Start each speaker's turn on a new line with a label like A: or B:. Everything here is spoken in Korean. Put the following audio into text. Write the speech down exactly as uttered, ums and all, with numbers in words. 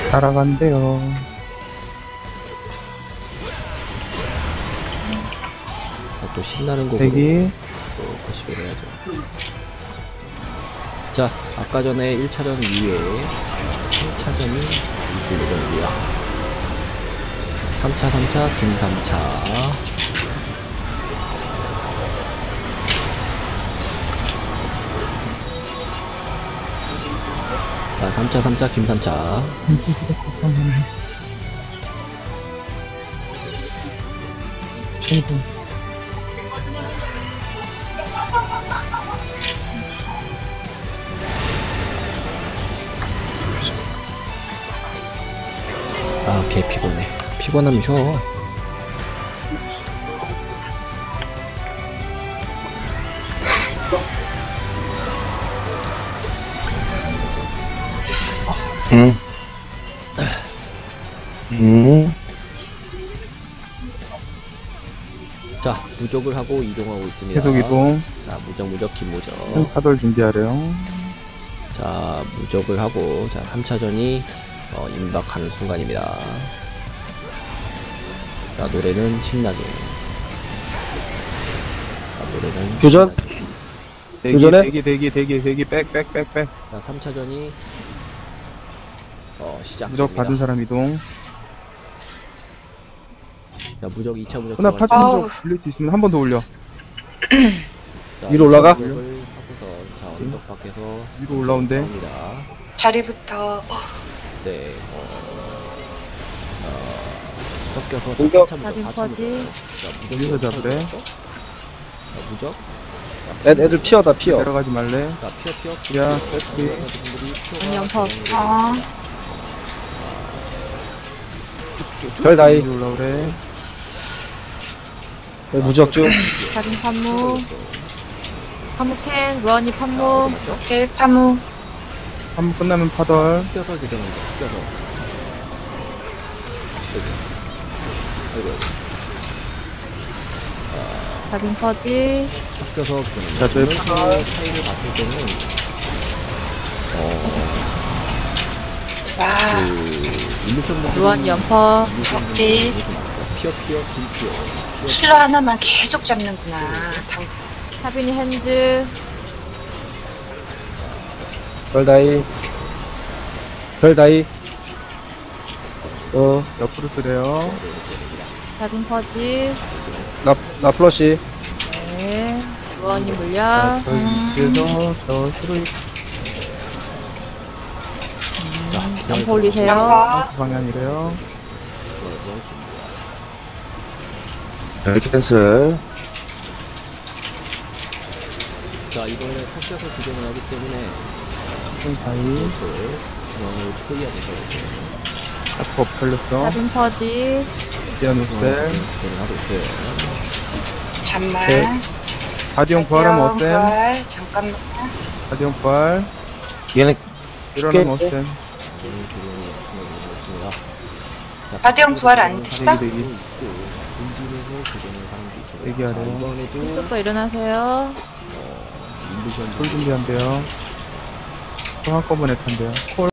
A: 따라간대요.
B: 아, 또 신나는 곡으로
A: 대기.
B: 또 거시기를 해야죠. 자, 아까 전에 일 차전 이후에 삼 차전이 있을 예정이고요. 삼 차, 삼 차, 김 삼 차. 자, 삼 차, 삼 차, 김 삼 차. 아, 개 피곤해. 피곤하면 쉬어.
C: 응. 응.
B: 자, 무적을 하고 이동하고 있습니다.
A: 계속 이동.
B: 자, 무적, 무적, 긴 무적.
A: 카돌 준비하래요.
B: 자, 무적을 하고, 자, 삼 차전이, 어, 임박하는 순간입니다. 자, 노래는 신나게. 자, 노래는.
C: 교전?
B: 신나게.
A: 대기,
C: 교전해?
A: 대기, 대기, 대기, 대기, 백, 백, 백, 백.
B: 자, 삼 차전이, 어, 시작.
A: 무적 받은 사람 이동.
B: 자, 무적, 이 차 무적.
A: 누나
B: 들어갔죠?
A: 파츠
D: 아우.
A: 무적 올릴 수 있으면 한 번 더 올려.
B: 자,
C: 위로 올라가?
B: 무적을 하고서, 자, 언덕 밖에서.
A: 위로 올라온대.
B: 싸웁니다.
D: 자리부터
B: 세, 어, 어, 섞여서
C: 공격.
B: 자,
E: 나비
B: 사 차 무적.
E: 퍼지.
B: 자, 무적.
A: 여기서 잡으래.
B: 자, 무적.
C: 애, 애들 피어다, 피어.
A: 내려가지 말래.
B: 자, 피어, 피어.
A: 야,
B: 피어.
A: 백피.
B: 분들이 피어가
E: 양념퍼.
B: 진행이
D: 어
C: 별 다이.
A: 위로 올라오래.
C: 무적 중.
E: 작은 판무. 판무캔, 루아니 판무.
D: 오케이 파무
A: 한 번 끝나면 파덜.
B: 껴서 기대는 거, 껴서. 아이고, 아이고.
E: 작은 퍼지.
B: 섞여서 기대는
A: 자,
B: 거.
A: 저희
B: 이런 식으로 차이를 봤을 때는, 어,
D: 와
B: 그, 일루션 분들이.
E: 루아니 연퍼.
B: 일루션 분들이
D: 오케이.
B: 이렇게 많아요. 피어, 피어, 긴 피어. 피어,
D: 힐러 하나만 계속 잡는구나. 당
E: 차빈이 핸즈.
C: 별 다이. 별 다이. 어,
A: 옆으로 쓰래요.
E: 작은 퍼지.
C: 나, 나 플러시.
E: 네. 루아니
A: 자,
E: 물약.
A: 저 위에서 저 히로이
B: 자,
E: 연퍼 올리세요.
D: 양파
A: 방향이래요.
C: 별 캔슬.
B: 자, 이번에 섞여서 기동을 하기 때문에,
A: 사이.
B: 그 중앙을 포위해야 되죠.
A: 아프 엎털렸어.
E: 작은 퍼지.
A: 디아노셀.
B: 기동을 하고 있어요.
D: 잠만
C: 네.
A: 가디언 부활하면 어때?
D: 부활 잠깐만
A: 가디언 부활.
C: 얘네 죽게.
A: 일어나면 어때?
B: 기동이 기동이 엄청나게 있습니다. 자,
D: 가디언 부활 안
B: 기동을
D: 됐어?
B: 하는
A: 대기, 대기.
B: 사람도 있고, 본진에서 기동을 하는 게 있어요.
A: 대기하래요.
B: 자, 이번에도,
E: 또 일어나세요.
B: 어, 일루션
A: 콜 준비한대요. 또 한꺼번에 탄대요. 콜.